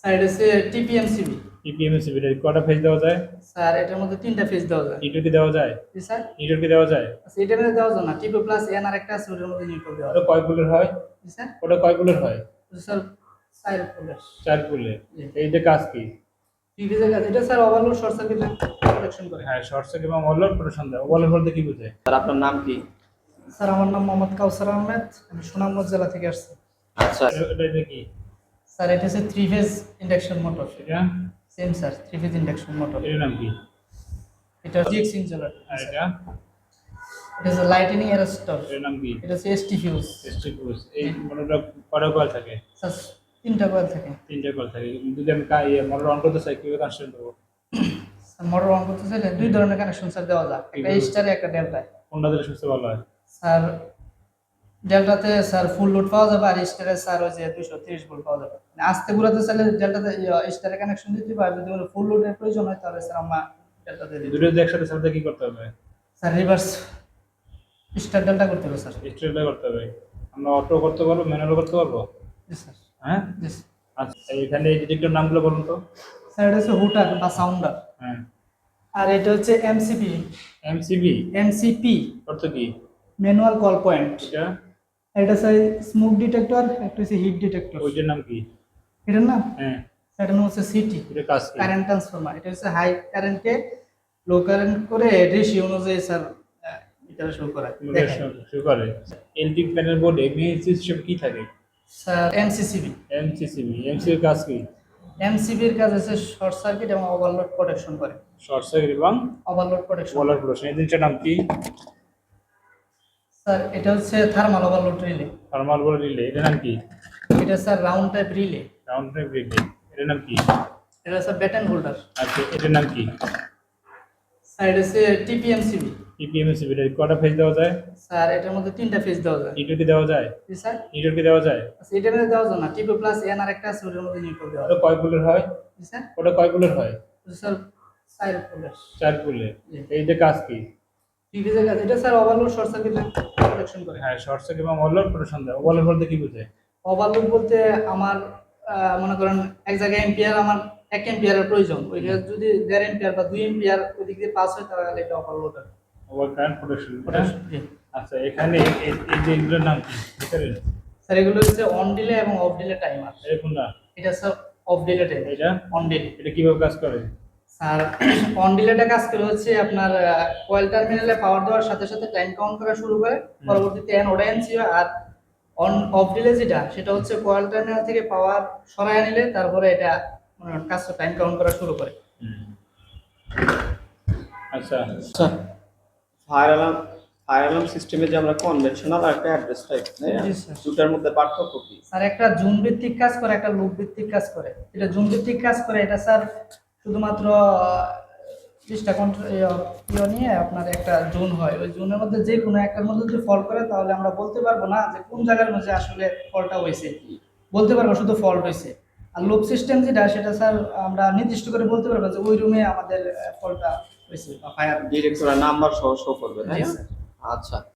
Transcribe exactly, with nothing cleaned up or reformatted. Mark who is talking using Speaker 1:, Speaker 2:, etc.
Speaker 1: Sir এটা হচ্ছে টিপিএমসিবি।
Speaker 2: টিপিএমসিবি এর কয়টা ফেজ দেওয়া যায়?
Speaker 1: স্যার এটার মধ্যে তিনটা ফেজ দেওয়া যায়।
Speaker 2: নিউট্রাল কি দেওয়া যায়?
Speaker 1: জি স্যার।
Speaker 2: নিউট্রাল কি দেওয়া যায়?
Speaker 1: আচ্ছা এটার মধ্যে দেওয়া যায় না, টিপি প্লাস এন আর একটা আছে ওটার মধ্যে নিউট্রাল দেওয়া
Speaker 2: ওটা
Speaker 1: যায়।
Speaker 2: কয় পোলের হয়?
Speaker 1: জি স্যার।
Speaker 2: ওটা কয় পোলের হয়?
Speaker 1: স্যার চার পোলের।
Speaker 2: চার পোলের।
Speaker 1: জি।
Speaker 2: এই যে কাজ কি?
Speaker 1: টিভিতে কাজ এটা sir overload short circuit protection করে।
Speaker 2: হ্যাঁ, শর্ট সার্কিট এবং ওভারলোড প্রোটেকশন দেয়। ওভারলোড বলতে কি বোঝায়?
Speaker 3: স্যার আপনার নাম কি?
Speaker 1: স্যার আমার নাম মোহাম্মদ কাউসার আহমেদ, আমি সুনামগঞ্জ জেলা থেকে আসছি।
Speaker 3: আচ্ছা
Speaker 2: এটা এটা এটা কি?
Speaker 1: স্যার এটা হচ্ছে থ্রি ফেজ ইন্ডাকশন মোটর।
Speaker 2: এটা
Speaker 1: same sir, three phase induction motor.
Speaker 2: এর নাম কি?
Speaker 1: এটা জিএক্স ইনজেলার।
Speaker 2: আর এটা
Speaker 1: এটা হচ্ছে লাইটেনিং অ্যারেস্টর।
Speaker 2: এর নাম কি?
Speaker 1: এটা হচ্ছে এসটি ফিউজ।
Speaker 2: ST fuse. এই মোটরটা কয়টা কয়েল থাকে?
Speaker 1: স্যার তিনটা কয়েল থাকে।
Speaker 2: তিনটা কয়েল থাকে। যদি আমি কা- ইয়ে মোটর অন করতে চাই কিভাবে কানেকশন দেবো?
Speaker 1: স্যার মোটর অন করতে চাইলে দুই ধরনের কানেকশন স্যার দেওয়া যায়, একটা স্টারে একটা ডেল্টায়।
Speaker 2: কোনটা দিলে সবচেয়ে ভালো হয়?
Speaker 1: স্যার ডেল্টাতে স্যার ফুল লোড পাওয়া যাবে, আর স্টারে স্যার ওই যে দুইশো তিরিশ ভোল্ট পাওয়া যাবে। মানে আস্তে ঘুরাতে চাইলে ডেল্টাতে স্টারে কানেকশন দিতে পারে, যদি ফুল লোডের প্রয়োজন হয় তাহলে স্যার আমরা ডেল্টাতে দিই।
Speaker 2: দুটো যদি একসাথে সাথে কি করতে হবে?
Speaker 1: স্যার রিভার্স স্টার ডেল্টা করতে হবে স্যার।
Speaker 2: স্ট্রেটটা করতে হবে। আমরা অটো করতে পারবো, ম্যানুয়াল করতে পারবো?
Speaker 1: জি স্যার।
Speaker 2: হ্যাঁ।
Speaker 1: জি স্যার।
Speaker 2: আচ্ছা, এখানে এই ডিটেক্টর নামগুলো বলুন তো।
Speaker 1: স্যার এটা হচ্ছে হুটার বা সাউন্ডার,
Speaker 2: হ্যাঁ।
Speaker 1: আর এটা হচ্ছে এমসিপি।
Speaker 2: এমসিবি
Speaker 1: এমসিপি
Speaker 2: অর্থ কি?
Speaker 1: Manual call point.
Speaker 2: এটা
Speaker 1: এটা স্যার স্মোক ডিটেক্টর, একটা হচ্ছে হিট ডিটেক্টর।
Speaker 2: ওইটার নাম কি?
Speaker 1: এটার নাম
Speaker 2: হ্যাঁ।
Speaker 1: এটার নাম হচ্ছে সিটি,
Speaker 2: এটা কাজ কি?
Speaker 1: Current transformer. এটা হচ্ছে হাই কারেন্টে লো কারেন্ট করে রেশিও অনুযায়ী স্যার এটা শো করা দেখায়।
Speaker 2: শুরু করে। এলটি প্যানেল বোর্ডে মেইন সিস্টেম কি থাকে?
Speaker 1: Sir MCCB.
Speaker 2: এমসিসিবি। এমসির কাজ কি?
Speaker 1: এমসিবির কাজ হচ্ছে শর্ট সার্কিট এবং ওভারলোড প্রোটেকশন করে।
Speaker 2: শর্ট সার্কিট এবং
Speaker 1: ওভারলোড প্রোটেকশন।
Speaker 2: Overload protection. এই জিনিসটার নাম কি?
Speaker 1: স্যার এটা হচ্ছে thermal overload relay.
Speaker 2: Thermal board relay. এটার নাম কি?
Speaker 1: এটা sir round type relay.
Speaker 2: Round trip relay. এটার নাম কি?
Speaker 1: এটা স্যার ব্যাটন হোল্ডার।
Speaker 2: আচ্ছা, এটার নাম কি?
Speaker 1: স্যার এটা হচ্ছে টিপিএমসিবি।
Speaker 2: টিপিএমসিবি এর কয়টা ফেজ দেওয়া যায়?
Speaker 1: স্যার এটার মধ্যে তিনটা ফেজ দেওয়া যায়।
Speaker 2: নিউট্রাল কি দেওয়া যায়?
Speaker 1: জি স্যার।
Speaker 2: নিউট্রাল কি দেওয়া যায়?
Speaker 1: আচ্ছা এটার মধ্যে দেওয়া যায় না, টিপি প্লাস এন আর একটা আছে ওটার মধ্যে নিউট্রাল দেওয়া
Speaker 2: ওটা
Speaker 1: যায়।
Speaker 2: কয় পোলের হয়?
Speaker 1: জি স্যার।
Speaker 2: ওটা কয় পোলের হয়?
Speaker 1: স্যার চার পোলের।
Speaker 2: চার পোলের।
Speaker 1: জি।
Speaker 2: এই যে কাজ কি?
Speaker 1: টিভিতে কাজ এটা sir overload short circuit protection করে।
Speaker 2: হ্যাঁ, শর্ট সার্কিট এবং ওভারলোড প্রোটেকশন দেয়। ওভারলোড বলতে কি বোঝায়?
Speaker 1: ওভারলোড বলতে আমার আহ, মনে করেন এক জায়গায় এম্পিয়ার আমার এক এম্পিয়ারের প্রয়োজন, ওইটা যদি দেড় এম্পিয়ার বা দুই এম্পিয়ার ওইদিক দিয়ে পাস হয় তাহলে এটা ওভারলোড হয়।
Speaker 2: Over current protection.
Speaker 1: জি।
Speaker 2: আচ্ছা, এখানে এই এই যে এগুলোর নাম কি? ভিতরে
Speaker 1: স্যার এগুলো হচ্ছে অন ডিলে এবং অফ ডিলে টাইমার।
Speaker 2: এরকম না?
Speaker 1: এটা স্যার অফ ডিলে টাইমার।
Speaker 2: এটা
Speaker 1: অন ডিলে।
Speaker 2: এটা কিভাবে কাজ করে?
Speaker 1: স্যার অন ডিলেটা কাজ করে হচ্ছে আপনার কয়েল টার্মিনালে পাওয়ার দেওয়ার সাথে সাথে টাইম কাউন্ট করা শুরু করে, পরবর্তীতে এন ওটা এনসি হয়। আর অন অফ ডিলে যেটা সেটা হচ্ছে কয়েল টার্মিনাল থেকে পাওয়ার সরায় নিলে তারপরে এটা মানে কাজটা টাইম কাউন্ট করা শুরু করে।
Speaker 2: আচ্ছা,
Speaker 3: আচ্ছা ফায়ার অ্যালার্ম ফায়ার অ্যালার্ম সিস্টেমে যে আমরা কনভেনশনাল আর একটা অ্যাড্রেস টাইপ, তাই না?
Speaker 1: জি, স্যার।
Speaker 3: দুটার মধ্যে পার্থক্য কি?
Speaker 1: স্যার একটা জুন ভিত্তিক কাজ করে, একটা লুপ ভিত্তিক কাজ করে। এটা জুন ভিত্তিক কাজ করে, এটা স্যার শুধুমাত্র বিশটা কন্ট্রোল ইয়ে নিয়ে আপনার একটা জোন হয়, ওই জোনের মধ্যে যে কোনো একটার মধ্যে যদি ফল্ট করে তাহলে আমরা বলতে পারবো না যে কোন জায়গার মধ্যে আসলে ফল্টটা হয়েছে, বলতে পারবো শুধু ফল্ট হয়েছে। আর লুপ সিস্টেম যেটা সেটা স্যার আমরা নির্দিষ্ট করে বলতে পারবো যে ওই রুমে আমাদের ফল্টটা হয়েছে বা ফায়ার।
Speaker 3: ডিরেক্ট ওরা নাম্বার সহ শো করবে, তাই
Speaker 1: জি,
Speaker 3: না?
Speaker 1: স্যার।
Speaker 3: আচ্ছা।